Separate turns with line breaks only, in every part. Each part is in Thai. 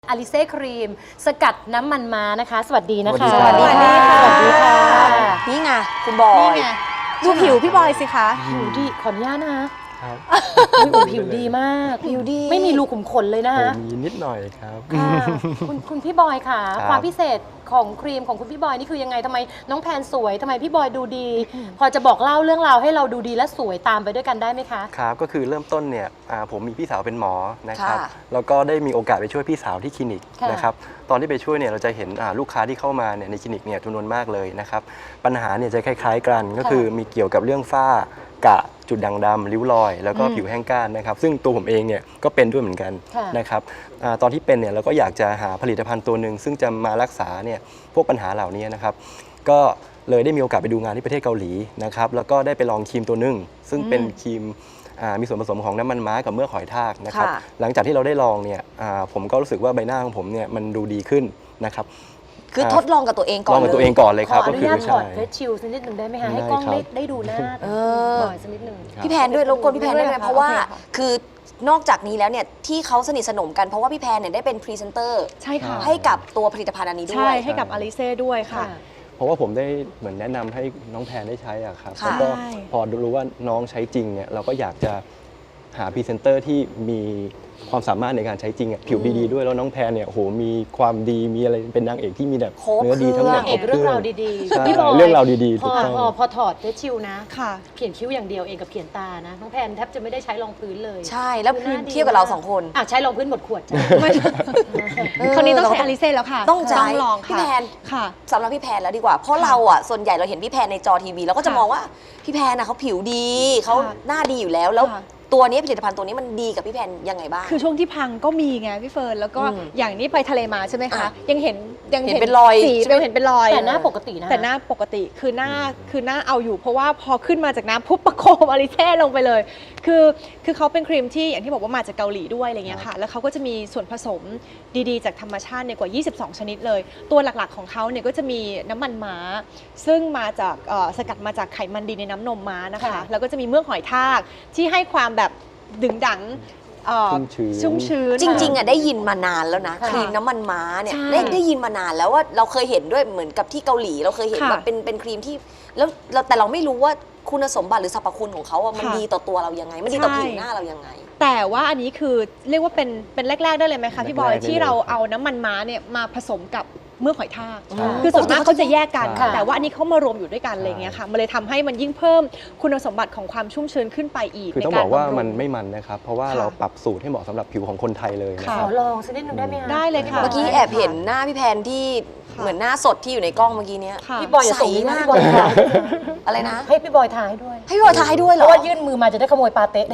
อลิเซ่ครีมสกัดน้ำมันม้านะคะสวัสดีนะคะ
สวัสดีค่ะ
สวัสดีค่ะ
นี่ไงคุณบอย
นี่ไง
ดูผิวพี่บอยสิคะ
ผิวดีขออนุญาตนะคะ
ครับ
ผิวดีมาก
ผิวดี
ไม่มีรูขุมขนเลยนะคะ
มีนิดหน่อยครับ
ค่ะคุณพี่บอยค่ะ
ครับ
ความพิเศษของครีมของคุณพี่บอยนี่คือยังไงทำไมน้องแพนสวยทำไมพี่บอยดูดี พอจะบอกเล่าเรื่องราวให้เราดูดีและสวยตามไปด้วยกันได้ไหมคะ
ครับก็คือเริ่มต้นเนี่ยผมมีพี่สาวเป็นหมอนะครับ
ค่ะ
แล้วก็ได้มีโอกาสไปช่วยพี่สาวที่คลินิก
ค่ะ
นะครับตอนที่ไปช่วยเนี่ยเราจะเห็นลูกค้าที่เข้ามาเนี่ยในคลินิกเนี่ยจำนวนมากเลยนะครับปัญหาเนี่ยจะคล้ายๆกันก็คือมีเกี่ยวกับเรื่องฝ้ากระจุดด่างดำริ้วรอย แล้วก็ผิวแห้งก้านนะครับซึ่งตัวผมเองเนี่ยก็เป็นด้วยเหมือนกัน
ค่ะ
นะครับตอนที่เป็นเนี่ยเราก็อยากจะหาผลิตภัณฑ์ตัวหนึ่งซึ่งจะมารักษาเนี่ยพวกปัญหาเหล่านี้นะครับก็เลยได้มีโอกาสไปดูงานที่ประเทศเกาหลีนะครับแล้วก็ได้ไปลองครีมตัวหนึ่งซึ่งเป็นครีมมีส่วนผสมของน้ำมันม้ากับเมือกหอยทากนะครับ
ค่ะ
หลังจากที่เราได้ลองเนี่ยผมก็รู้สึกว่าใบหน้าของผมเนี่ยมันดูดีขึ้นนะครับ
คือทดลองกับตัวเองก่
ล
อ
อน งกับ
เล
ตัวเอย งก่อนเลย
ข
ครั
อบ อ
ก็
นุ
คือ
ญาตถอ
ใช่
ดเฟซชิลสักนิดหนึ่งได้ไหมคะ
ได้
ให้กล้อง
ครับ
ได้ดูหน้า
เออ
บ่อยสักนิดหนึ่ง
ครับ
พี่แพนด้วยรบกวนพี่แพนได้ไหม
ด้วยค่ะ
เพราะว่า
โอเคค่ะ
คือนอกจากนี้แล้วเนี่ยที่เขาสนิทสนมกันเพราะว่าพี่แพนเนี่ยได้เป็นพรีเซนเตอร์
ใช่ค่ะ
ให้กับตัวผลิตภัณฑ์อันนี้ด้
ใช่
วย
ให้กับอลิเซ่ด้วยค่ะ
เพราะว่าผมได้เหมือนแนะนำให้น้องแพนได้ใช้อะครับ
ค่ะ
แล้วก็
ใช่
พอรู้ว่าน้องใช้จริงเนี่ยเราก็อยากจะหาพรีเซนเตอร์ที่มีความสามารถในการใช้จริงอะผิวดีๆด้วยแล้วน้องแพนเนี่ยโอ้โหมีความดีมีอะไรเป็นนางเอกที่มีแบบ
ครบ
เนื้อดีทั้งหมด
นางเอกเรื่องราวดี
ใช่
ๆพี่บอย
เรื่องราวดีๆ
พ
ถู
อก
ต้อง
พอถอดเฟซชิลนะ
ค่ะ
เขียนคิ้วอย่างเดียวเองกับเขียนตานะน้องแพนแทบจะไม่ได้ใช้รองพื้นเลย
ใช่แล้ว
คือหน้าดี
เทียบกับเราสองคน
ใช้รองพื้นหมดขวดจ้ะ
คราวนี้ต้อง
เรา
ใช้อลิเซ่แล้วค่ะ
ต้องใช้
ลอง
พี่
ค่ะ
แพน
ค่ะ
สำหรับพี่แพนแล้วดีกว่า เพราะเราอ่ะส่วนใหญ่เราเห็นพี่แพนในจอทีวีเราก็จะ
ค่ะ
มองว่าพี่แพนนะเขาผิวดีเขา
ค่ะ
หน้าดีอยู่แล้วแล้ว
ค่ะ
ตัวนี้ผลิตภัณฑ์ตัวนี้มันดีกับพี่แพนยังไงบ้าง
คือช่วงที่พังก็มีไงพี่เฟิร์นแล้วก็
อืม
อย่างนี้ไปทะเลมาใช่ไหมคะ
อ่ะ
ยังเห็น
เห็นเป็นรอย
สี
ใช่ไหม
ยังเห็นเป็นรอย
แต่หน้าปกตินะ
แต่หน้าปกติคือหน้าเอาอยู่ เพราะว่าพอขึ้นมาจากน้ำปุ๊บประโคมอลิเซ่ลงไปเลย คือเขาเป็นครีมที่อย่างที่บอกว่ามาจากเกาหลีด้วยอะไรเงี้ยค่ะ แล้วเขาก็จะมีส่วนผสมดีๆ จากธรรมชาติเนี่ยกว่า 22 ชนิดเลย ตัวหลักๆของเขาเนี่ยก็จะมีน้ำมันม้า ซึ่งมาจากสกัดมาจากไขมันดีในน้ำนมม้านะคะ
ค่ะ
แล้วก็จะมีเมือกหอยทากที่ให้ความแบบดึงดังชุ่มชื้น
จริงๆอ่ะได้ยินมานานแล้วนะ
ค่ะ
ครีมน้ำมันม้าเนี่ย
ใช่
ได้ยินมานานแล้วว่าเราเคยเห็นด้วยเหมือนกับที่เกาหลีเราเคยเห็น
ค่ะ
แบบเป็นครีมที่แล้วแต่เราไม่รู้ว่าคุณสมบัติหรือสรรพคุณของเขาอ่ะมัน
ค่ะ
ดีต่อตัวเรายังไงมันดีต่อ
ใช่
ผิวหน้าเรายังไง
แต่ว่าอันนี้คือเรียกว่าเป็นแรก ๆ ได้เลยไหมคะพี่บอย
แรกๆได้เลย
ที่เราเอาน้ำมันม้าเนี่ยมาผสมกับเมือกหอยทาก
ใช่
คือส่วนมากเขาจะแยกกัน
ค่ะ
แต่ว่าอันนี้เขามารวมอยู่ด้วยกันอะไรเงี้ยค่ะมันเลยทำให้มันยิ่งเพิ่มคุณสมบัติของความชุ่มชื้นขึ้นไปอีก
คือต้อง
ใน
บอกว่า
บำรุง
มันไม่มันนะครับ เพราะว่า
ค่ะ
เราปรับสูตรให้เหมาะสำหรับผิวของคนไทยเลยนะ
ค่ะ
ค
ข
รั
อบ ลองสักนิดหนึงได้ไหมคะ
ได้เลยค่ะ
เมื่อกี้แอบเห็นหน้าพี่แพนที่
ค่ะ
เหมือนหน้าสดที่อยู่ในกล้องเมื่อกี้เนี้ย
ค่ะ
พี่บอยอย่าส่งนี้นะพี่บอยทา
อะไรนะ
ให้พี่บอยทาให้ด้วย
ให้พี่บอยทายด้วยเห
เพ
รอ
ราะว่ายื่นมือมาจะได้ขโมยปาเต้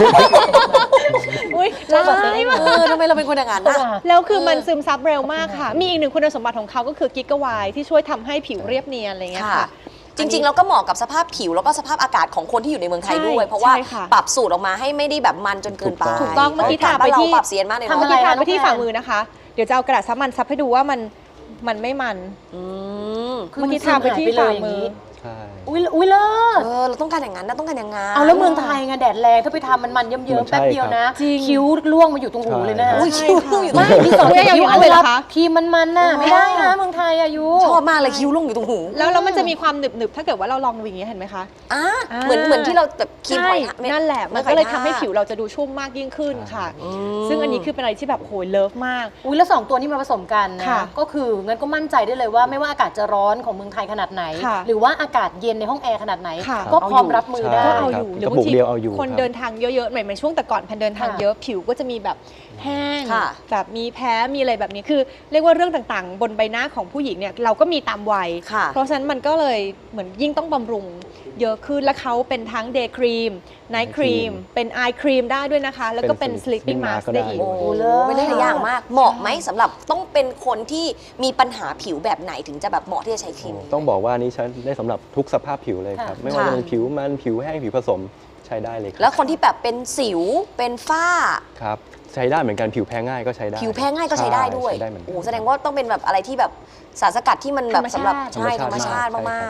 อุ้ย
ชอบแบบนี้
ร้ายมาก
ทำไมเราเป็นคนอย่างนั้นนะ
แล้วคือมันซึมซับเร็วมากค่ะ มีอีกหนึ่งคุณสมบัติของเขาก็คือกิกะวายที่ช่วยทำให้ผิวเรียบเนียนอะไรเงี้ย
ค่ะ
ค่ะ
จริงๆแล้วก็เหมาะกับสภาพผิวแล้วก็สภาพอากาศของคนที่อยู่ในเมืองไทยด้วย
ใช่
เพราะว่า
ใช่ค่ะ
ปรับสูตรออกมาให้ไม่ได้แบบมันจนเกินไป
ถูกต้องเมื่อกี้
พระ
ทาไป
บ้นเรา
ที่
ปรับเสียนมากเลย
ทำ
เนาะ
อะไร
เมื่อกี้ทา
คะ
ไปที่
น้องแพน
ฝ่ามือนะคะ เดี๋ยวจะเอากระดาษซับมันซับให้ดูว่ามันไม่มัน
อืม
คือ
เมื่อกี้
มันซึม
ทาไปที่
หายไปเลย
ฝ่า
อย่าง
มือ
นี้
ใช่
อุ้ยเลิศ
เราต้องการอย่างนั้นนะต้องการอย่างนั้น
เอาแล้วเมืองไทยไงแดดแรงถ้าไปทำมันเยิ้ม
มัน
ๆ
ใช่
แป๊บเดียวนะ
จริง
คิ้วล่วงมาอยู่ตรงหูเลยนะ
ใช่
อุ้ยคิ้วลุ่งอยู่ตรง
ไม่
หู
มีสอง
ไม่เอา
คิ้ว
อย่างนั้นเลยเหรอคะ
ครีมมันๆน่ะไม่ได้นะเมืองไทยอายุ
ชอบมากเลยคิ้วลุ่งอยู่ตรงหู
แล้วมันจะมีความหนึบๆถ้าเกิดว่าเราลองดูอย่างนี้ยเห็นไหมคะ
อ่ะ
อ่า
เหมือนที่เราแบบครีม
ใช่
หอยทาก
นั่นแหละมันก็เลยทำให้ผิวเราจะดูชุ่มมากยิ่งขึ้นค่ะ
อืม
ซึ่งอันนี้คือเป็นอะไรที่แบบโหยเลิฟมาก
อุ้ยแล้วสองตัวนี้มาผสมกันนะ
ค่ะ
ก็คืองั้นก็มั่นใจได้เลยว่าไม่ว่าอากาศจะร้อนของเมืองไทยขนาดไหน
ค่ะ
หรือว่าอากาศเย็นในห้องแอร์ขนาดไหน
ค่ะ
ก็พร้อมรับมือได้
ก็
ใช่
เอาอยู่
ครับ
หรือบาง
กระปุก
ที
เดียวเอาอยู่
คน
ครับ
เดินทางเยอะๆเหมือนช่วงแต่ก่อนแพนเดินทาง
ค่ะ
เยอะผิวก็จะมีแบบแห้ง
ค่ะ
แบบมีแพ้มีอะไรแบบนี้คือ เรียกว่าเรื่องต่างๆ บนใบหน้าของผู้หญิงเนี่ยเราก็มีตามวัย
ค่ะ
เพราะฉะนั้นมันก็เลยเหมือนยิ่งต้องบำรุงเยอะขึ้นและเขาเป็นทั้งเดย์ครีมไนท์ครีมเป็นไอครีมได้ด้วยนะคะ แล้วก็เป็น
เป็น
sleeping
sleeping
mask
mask ก็
ได้
ได้
อีก
โอ้
โอ้เลิศ
ไม่ได้หลายอย่างมาก เหมาะไหมสำหรับต้องเป็นคนที่มีปัญหาผิวแบบไหนถึงจะแบบเหมาะที่จะใช้ครีมนี้
ต้องบอกว่าอันนี้ใช้ได้สำหรับทุกสภาพผิวเลยครับ
ค่ะ
ไม่ว่า
ค่ะ
จะเป็นผิวมันผิวแห้งผิวผสมใช้ได้เลยค
แล้
รั
วคนที่แบบเป็นสิวเป็นฝ้า
ครับใช้ได้เหมือนกันผิวแพ้ง่ายก็ใช้ได้
ผิวแพ้ง่ายก็ใช้ได้ด้วย
ใช้ได้เหมือนกัน
โอ้แสดงว่าต้องเป็นแบบอะไรที่แบบสารสกัดที่มันแบบสำหรับ
ธรรมชาติ
ใช่ธรรมชาติ
ใช่ครับ
มากๆ